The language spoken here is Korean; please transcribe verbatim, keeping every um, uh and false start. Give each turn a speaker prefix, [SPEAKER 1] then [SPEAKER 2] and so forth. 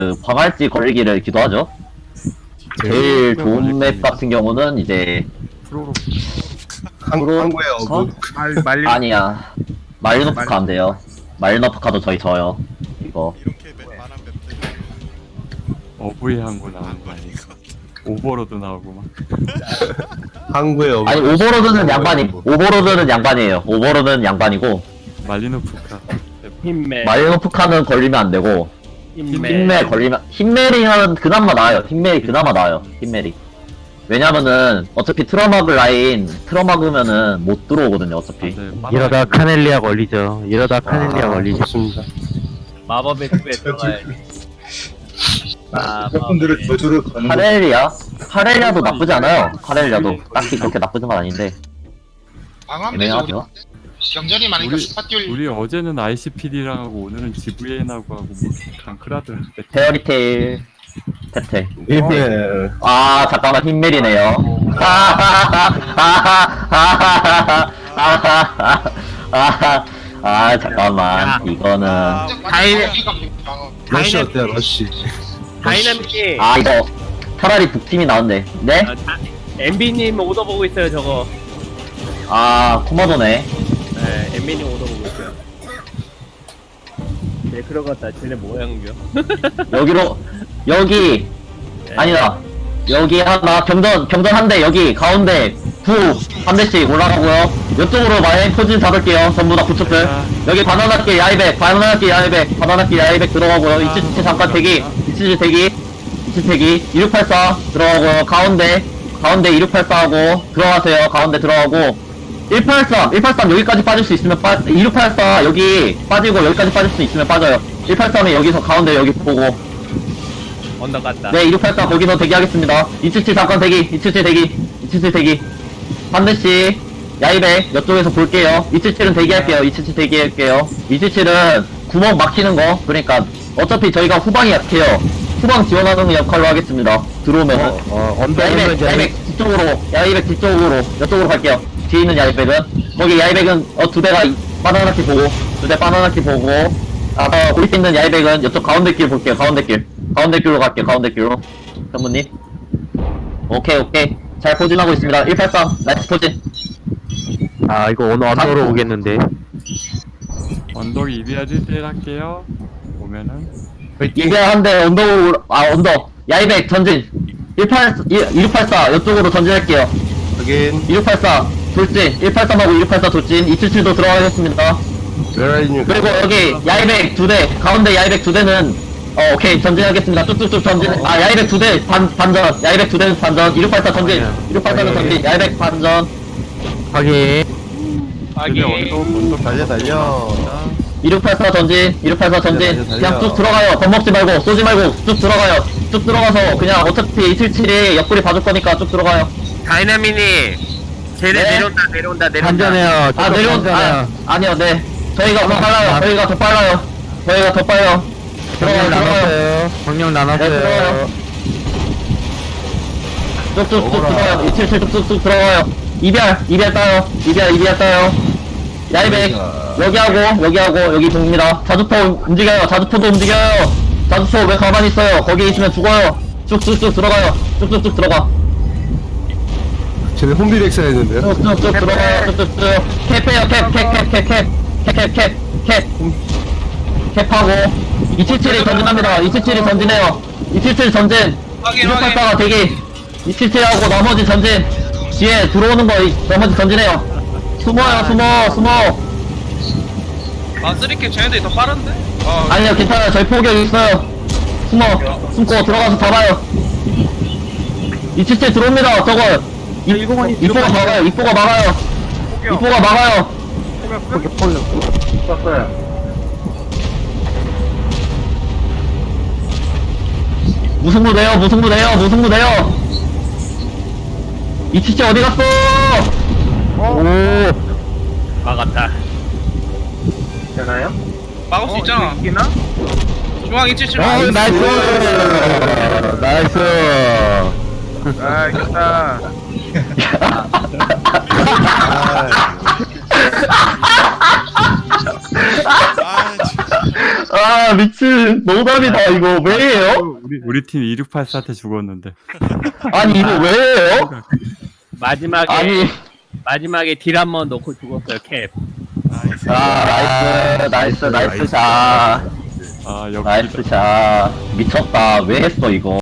[SPEAKER 1] 그 방할지 걸리기를 기도하죠. 제일 좋은 맵 같은 경우는 이제
[SPEAKER 2] 프로로
[SPEAKER 1] 프로-
[SPEAKER 3] 한국에
[SPEAKER 1] 어?
[SPEAKER 3] 어그
[SPEAKER 2] 말 말리
[SPEAKER 1] 아니야 마리노프카 안 돼요. 마리노프카도 저희 져요. 이거
[SPEAKER 4] 이렇게 맵 많은 맵들
[SPEAKER 2] 어부의 항구 나오는 거 아니야? 오버로드 나오고 막.
[SPEAKER 3] 한국에 어그
[SPEAKER 1] 아니 오버로드는 양반이 오버로드는 양반이에요. 오버로드는 양반이고
[SPEAKER 2] 말리노프카.
[SPEAKER 5] 힘매
[SPEAKER 1] 마리노프카는 걸리면 안 되고
[SPEAKER 5] 힘매
[SPEAKER 1] 힘멜 걸리면 힘멜이면 그나마 나아요. 힘멜이 그나마 나아요. 힘멜이. 왜냐면은 어차피 트러마그 라인 트러마그면은 못 들어오거든요. 어차피.
[SPEAKER 2] 네,
[SPEAKER 6] 이러다 카넬리아 걸리죠. 이러다 카넬리아
[SPEAKER 3] 아,
[SPEAKER 6] 걸리죠.
[SPEAKER 3] 그렇습니다.
[SPEAKER 5] 마법의 숲에 들어가야지.
[SPEAKER 3] 여러분들의 저주를 거는 거-
[SPEAKER 1] 카렐리아? 카렐리아도 나쁘지 않아요. 카렐리아도 딱히 그렇게 나쁘진 건 아닌데
[SPEAKER 7] 망하면 되죠. 우리
[SPEAKER 1] 애매하죠.
[SPEAKER 7] 경전이 많으니까
[SPEAKER 2] 우리-
[SPEAKER 7] 스파 띄울
[SPEAKER 2] 우리 어제는 아이씨피디랑 하고 오늘은 지브이엔하고 하고 뭐 강크라드한테
[SPEAKER 1] 페어리테일 테테.
[SPEAKER 3] 예.
[SPEAKER 1] 아 잠깐만 힘멜이네요. 아 잠깐만 이거는
[SPEAKER 7] 다이내
[SPEAKER 3] 러시 어때요 러시?
[SPEAKER 5] 다이나믹이
[SPEAKER 1] 아 이거 차라리 북팀이 나은데. 네?
[SPEAKER 5] 엠비님 오더 보고 있어요 저거.
[SPEAKER 1] 아 코모도네.
[SPEAKER 5] 네, 엠비님 오더 보고 있어요. 네 그런 것 같다. 쟤네 모양이요.
[SPEAKER 1] 여기로 여기 아니다. 여기 하나 경전 경전 한 대 여기 가운데 구 한 대씩 올라가고요. 이쪽으로 마인 포진 잡을게요. 전부 다 구축들. 여기 바나나길 야이백 바나나길 야이백 바나나길 야이백 들어가고요. 이치치 잠깐 대기 이치치 대기 이치치 대기 이육팔사 들어가고요. 가운데 가운데 이육팔사하고 들어가세요. 가운데 들어가고 일팔삼 일팔삼 여기까지 빠질 수 있으면 빠 이육팔사 여기 빠지고 여기까지 빠질 수 있으면 빠져요. 일팔삼에 여기서 가운데 여기 보고
[SPEAKER 5] 언더 갔다.
[SPEAKER 1] 네, 이육팔사 거기서 대기하겠습니다. 이칠칠 잠깐 대기, 이칠칠 대기, 이칠칠 대기. 한 대씩, 야이백, 이쪽에서 볼게요. 이칠칠은 대기할게요, 이칠칠 대기할게요. 이칠칠은 구멍 막히는 거, 그러니까, 어차피 저희가 후방이 약해요. 후방 지원하는 역할로 하겠습니다. 들어오면은.
[SPEAKER 6] 어, 어, 언더
[SPEAKER 1] 야이백,
[SPEAKER 6] 오면
[SPEAKER 1] 야이백 뒤쪽으로, 야이백 뒤쪽으로, 이쪽으로 갈게요. 뒤에 있는 야이백은. 거기 야이백은, 어, 두 대가 바나나키 보고, 두 대 바나나키 보고, 아, 어, 거기 있는 야이백은 이쪽 가운데 길 볼게요, 가운데 길. 가운데 길로 갈게요, 가운데 길로. 현무님. 오케이, 오케이. 잘 포진하고 있습니다. 일팔삼, 나이스 포진.
[SPEAKER 6] 아 이거 오늘 언더로 오겠는데.
[SPEAKER 2] 언덕 이비아 일 대 일 할게요. 오면은
[SPEAKER 1] 이게 한대 언덕으로, 아, 언덕. 야이백 전진. 일팔, 이육팔사, 이쪽으로 전진할게요.
[SPEAKER 3] 확인.
[SPEAKER 1] 이육팔사, 돌진. 일팔삼하고 이육팔사 돌진. 이칠칠도 들어가겠습니다.
[SPEAKER 3] 웨라이님
[SPEAKER 1] 그리고 여기 야이백 두 대, 가운데 야이백 두 대는 어 오케이 전진하겠습니다. 쭉쭉쭉 전진. 아 야이백 두 대 반 반전. 야이백 두 대는 반전. 이육팔사 전진. 이육팔사는 전진. 야이백 반전.
[SPEAKER 6] 확인.
[SPEAKER 2] 근데
[SPEAKER 5] 하긴
[SPEAKER 2] 언덕 언덕
[SPEAKER 3] 달려 달려.
[SPEAKER 1] 이육팔사 전진. 이육팔사 전진.
[SPEAKER 3] 달려, 달려.
[SPEAKER 1] 그냥 쭉 들어가요. 겁먹지 말고 쏘지 말고 쭉 들어가요. 쭉 들어가서 그냥 어차피 이칠칠이 옆구리 봐줄 거니까 쭉 들어가요.
[SPEAKER 5] 다이나믹이 쟤네
[SPEAKER 1] 네.
[SPEAKER 5] 내려온다 내려온다 내려온다.
[SPEAKER 6] 반전해요.
[SPEAKER 1] 아 내려온 아 아니요 네. 저희가 더 빨라요. 저희가 더 빨라요. 저희가 더 빨라요. 들어가요.
[SPEAKER 6] 경력
[SPEAKER 1] 들어가요.
[SPEAKER 6] 나눴어요. 경력
[SPEAKER 1] 네, 들어가요.
[SPEAKER 6] 나눴어요.
[SPEAKER 1] 쭉쭉쭉 들어가요. 이칠칠 쭉쭉쭉 들어가요. 이별, 이별 따요. 이별, 이별 따요. 야이백, 여기하고, 여기하고, 여기 봅니다. 자주포 움직여요. 자주포도 움직여요. 자주포 왜 가만히 있어요? 거기 있으면 죽어요. 쭉쭉쭉 들어가요. 쭉쭉쭉 들어가.
[SPEAKER 3] 쟤네 홈비렉스 했는데요.
[SPEAKER 1] 쭉쭉쭉 들어가요. 쭉쭉쭉. 캡해요. 캡, 캡, 캡, 캡, 캡. 캡, 캡, 캡, 캡. 캡하고. 이칠칠이 전진합니다. 이칠칠이 전진해요. 이칠칠 전진. 이육팔사가 대기. 이칠칠하고 나머지 전진. 뒤에 들어오는 거 이- 나머지 전진해요. 숨어요, 숨어, 숨어.
[SPEAKER 8] 아 쓰리캡 쟤네들이 더 빠른데? 아
[SPEAKER 1] 아니요, 괜찮아요. 저희 포격 있어요. 숨어, 숨고 들어가서 잡아요. 이칠칠 들어옵니다. 저거. 이, 이뽀가 막아요. 이뽀가 막아요. 이뽀가 막아요. 무승부 내요, 무승부 내요, 무승부 내요. 이칠칠 어디 갔어? 오.
[SPEAKER 5] 막았다.
[SPEAKER 8] 막을 수 있잖아
[SPEAKER 5] 있나?
[SPEAKER 8] 중앙 이칠칠
[SPEAKER 6] 어, 나이스. 나이스.
[SPEAKER 2] 아 이겼다.
[SPEAKER 4] 아 진짜
[SPEAKER 1] 아, 아 미친 노답이다 이거 왜 해요?
[SPEAKER 2] 우리 우리 팀 이육팔사한테 죽었는데.
[SPEAKER 1] 아니 이거 왜 해요?
[SPEAKER 5] 마지막에
[SPEAKER 1] 아니
[SPEAKER 5] 마지막에 딜 한 번 넣고 죽었어요 캡.
[SPEAKER 1] 아 나이스 나이스 나이스 샷
[SPEAKER 2] 아 역시
[SPEAKER 1] 나이스 샷 미쳤다 왜 했어 이거